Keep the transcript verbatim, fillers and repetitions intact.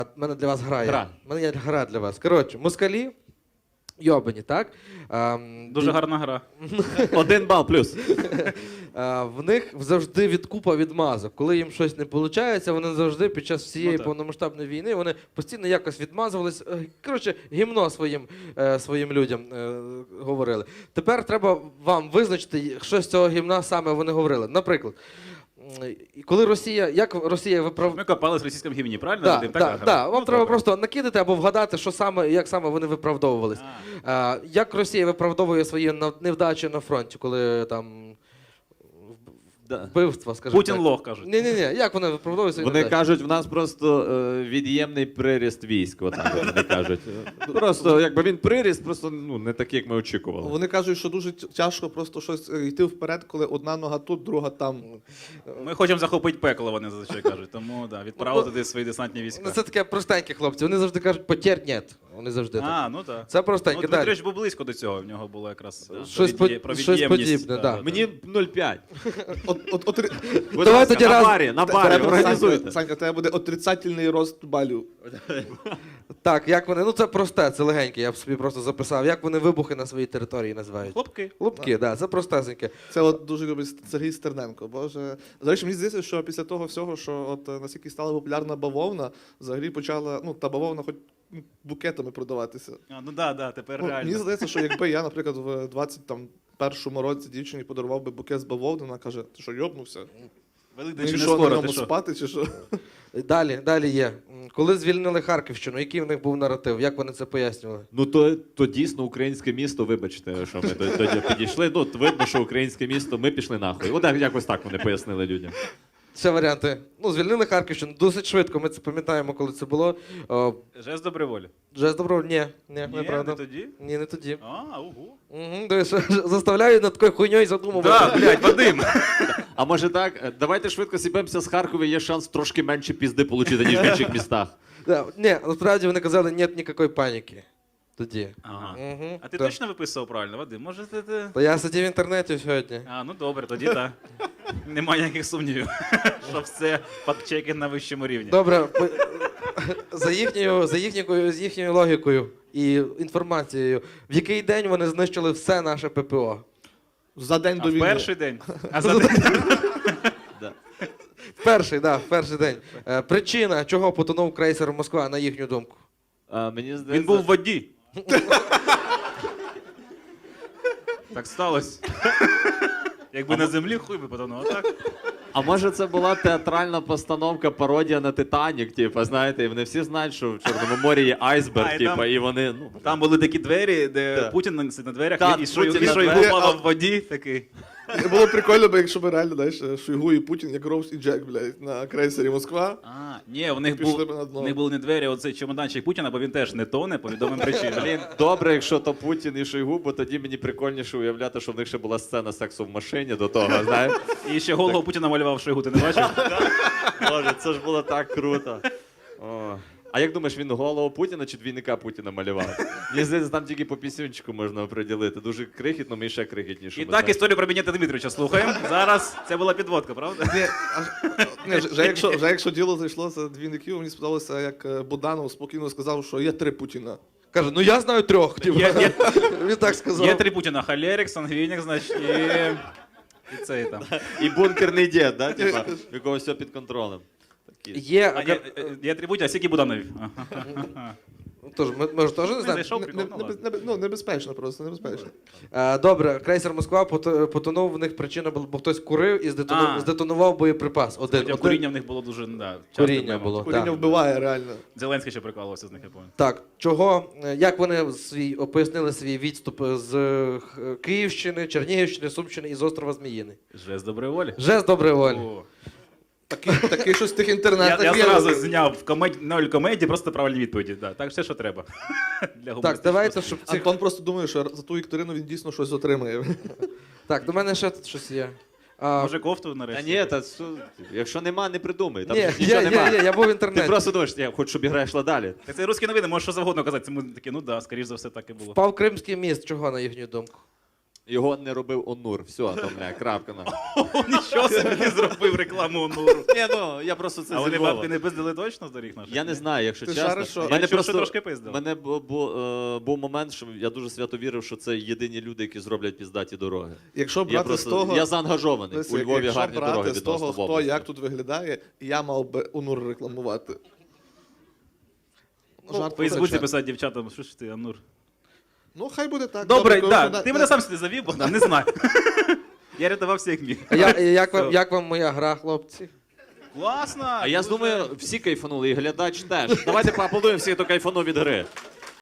У мене для вас гра є. Гра. У мене є гра для вас. Коротше, москалі, йобані, так? Ем, Дуже ді- гарна гра. Один бал плюс. Е, В них завжди відкупа відмазок. Коли їм щось не виходить, вони завжди під час всієї Ну, так. повномасштабної війни вони постійно якось відмазувались. Е, Коротше, гімно своїм, е, своїм людям е, говорили. Тепер треба вам визначити, що з цього гімна саме вони говорили. Наприклад, м, коли Росія, як Росія виправ... Ми копались в російському гімні, правильно? Да, Вадим? да, Така гра? да. Вам Ну, треба добре. просто накидати або вгадати, що саме, як саме вони виправдовувались. А. А, як Росія виправдовує свої нав- невдачі на фронті, коли там Да. вбивства, скажімо Путін так. лох, кажуть. Ні, ні, ні. Як вони виправдовують свої Вони невдачі? кажуть, в нас просто е, від'ємний приріст військ. Отак от вони кажуть. Просто якби він приріст, просто ну, не такий, як ми очікували. Вони кажуть, що дуже тя- тяжко просто щось е, йти вперед, коли одна нога тут, друга там. Ми хочемо захопити пекло, вони зазвичай кажуть. Тому да, відправили туди свої десантні війська. Ну, це таке простенькі хлопці. Вони завжди кажуть, потєр нет. Вони завжди так. А, ну так. Це простеньке. Ну, Далі. Дмитрич був близько до цього, в нього було якраз да, Щось про від'є- по- про щось від'ємність. подібне, да. Мені нуль п'ять. От, от, от, Будь Давай ласка, тоді на раз- барі, на барі, треба, організуйте. Санька, Санька, тебе буде отрицательний рост балів. Так, як вони. Ну це просте, це легеньке, я б собі просто записав. Як вони вибухи на своїй території називають? Хлопки. Лупки, так, да, це простесеньке. Це от дуже любить Сергій Стерненко. Боже. До речі, мені здається, що після того всього, що от е, наскільки стала популярна бавовна, взагалі почала, ну, та бавовна хоч ну, букетами продаватися. А, ну да, да, тепер Ну, мені реально. здається, що якби я, наприклад, в двадцять першому році дівчині подарував би букет з бавовни, вона каже, ти що, йобнувся? Великдень Ну, чи і не що, на скоро, ньому ти що? спати, чи що? Далі, далі є. М, Коли звільнили Харківщину, який в них був наратив? Як вони це пояснювали? Ну то, то дійсно українське місто, вибачте, що ми до- тоді підійшли. Ну, от видно, що українське місто, ми пішли нахуй. От як- якось так вони пояснили людям. Ще варіанти. Ну, звільнили Харківщину досить швидко. Ми це пам'ятаємо, коли це було. О, Жест доброї волі. Жест добро, ні, ні, Ні, неправда. не тоді? Ні, не тоді. А, угу. Угу, дивись, заставляю над такою хуйньою задумувати. Да, блядь, Вадим. А може так, е, давайте швидко сіпемося з Харкова, є шанс трошки менше пізди отримати, ніж в інших містах. Да, ні, насправді вони казали, нет ніякої паніки. Тоді. Ага. Угу, А ти точно виписував правильно, Вадим? Може ти... ти- Та я сидів в інтернеті сьогодні. А, ну добре, тоді так. Немає ніяких сумнівів, що все фактчекінг на вищому рівні. Добре, по- за їхньою, за їхньою, з їхньою логікою і інформацією, в який день вони знищили все наше ППО? За день А до в війни. перший день? А за день? Да. В перший, да, в перший день. Е, причина, чого потонув крейсер Москва, на їхню думку. А, мені здається, Він був в воді. Так сталося. Якби на землі, хуй би потонув, а так? А може це була театральна постановка, пародія на Титанік, типу, знаєте, і вони всі знають, що в Чорному морі є айсберг, А, і типу, там- і вони, ну, Там були такі двері, де Так. Путін на на дверях, Так, і Шойгу Путін і на Шойгу дверях. плавав в воді, такий. Було прикольно, бо якщо б реально, знаєш, Шойгу і Путін, як Роуз і Джек, блядь, на крейсері Москва. А, ні, у них, Пішли був, б на дно. у них були не двері, а оцей чемоданчик Путіна, бо він теж не тоне по відомим причинам. блін, добре, якщо то Путін і Шойгу, бо тоді мені прикольніше уявляти, що в них ще була сцена сексу в машині до того, знаєш. І ще голову Путіна малював Шойгу, ти не бачив? Боже, це ж було так круто. О. А як думаєш, він голову Путіна чи двійника Путіна малював? Мені здається, там тільки по пісюнчику можна оприділити. Дуже крихітно, ми ще крихітніше. І так історію про Бенєта Дмитровича слухаємо. Зараз це була підводка, правда? Ні, а- ні, вже, вже, якщо, вже якщо діло зайшло за двійників, мені сподобалося, як е, Буданов спокійно сказав, що є три Путіна. Каже, ну я знаю трьох. Типу. Є, є, Він так сказав. є три Путіна: Холерик, Сангвінік, значить, і, і цей там. І бункерний дід, да? Типа, в якого все під контролем. Такі. Є, А, є, є три Путіна, а скільки Буданові? Тож, ми, ми ж теж не Не знаємо. зайшов Не- прикол, не- ну не- ладно. не- ну, небезпечно просто, небезпечно. Е, Добре, крейсер Москва пото- потонув, в них причина була, бо хтось курив і здетонував, А. здетонував боєприпас. Один, Хоча один. куріння в них було дуже, да, часто Куріння проблема. було. Куріння так. вбиває реально. Зеленський ще прикалувався з них, я пам'ятаю. Так, чого, е, як вони свій, пояснили свій відступ з е, Х- Київщини, Чернігівщини, Сумщини і з острова Зміїний? Жест доброї волі. Жест доброї волі. О. Такий, такий щось в тих Я, інтернетах я є. зразу зняв в комеді, ноль комедії, просто правильні відповіді. Да. Так, все, що треба. Для Так, гумористичного давайте, світу. щоб цих... Антон просто думає, що за ту вікторину він дійсно щось отримає. Так, до мене ще тут щось є. А, Може кофту Та нарешті? ні, та су- якщо нема, не придумай. Там ні, ж нічого є, нема. є, є, я був в Ти інтернеті. просто думаєш, я хочу, щоб ігра йшла далі. Так це русські новини, можеш що завгодно казати. Ми такі, ну да, скоріш за все, так і було. Впав Кримський міст, чого, на їхню думку? Його не робив Онур. Все, там, бля, крапка на. Нічого собі не зробив рекламу Онуру. Ні, ну, я просто це А вони зі Львова. бабки не пиздили точно з доріг наших? Я не знаю, якщо Ти чесно. шариш, що- Мене Я чув, просто що трошки пиздили. мене бу, бу, е, був момент, що я дуже свято вірив, що це єдині люди, які зроблять піздаті дороги. Якщо Я брати просто з того, я заангажований. Дивися, У Львові якщо гарні брати дороги з відносно того, в хто області. як тут виглядає, я мав би Онур рекламувати. Ну, Жарт В Фейсбуці втрачає. писати дівчатам, що ж ти, Амур. Ну, хай буде так. Добре, коли да, вона- ти мене сам сюди завів, Богдан, не знаю. Я рятувався як міг. А я, як, вам, Все. як вам моя гра, хлопці? Класно! А я дуже. думаю, всі кайфанули, і глядач теж. Давайте поаплодуємо всіх, хто кайфанув від гри.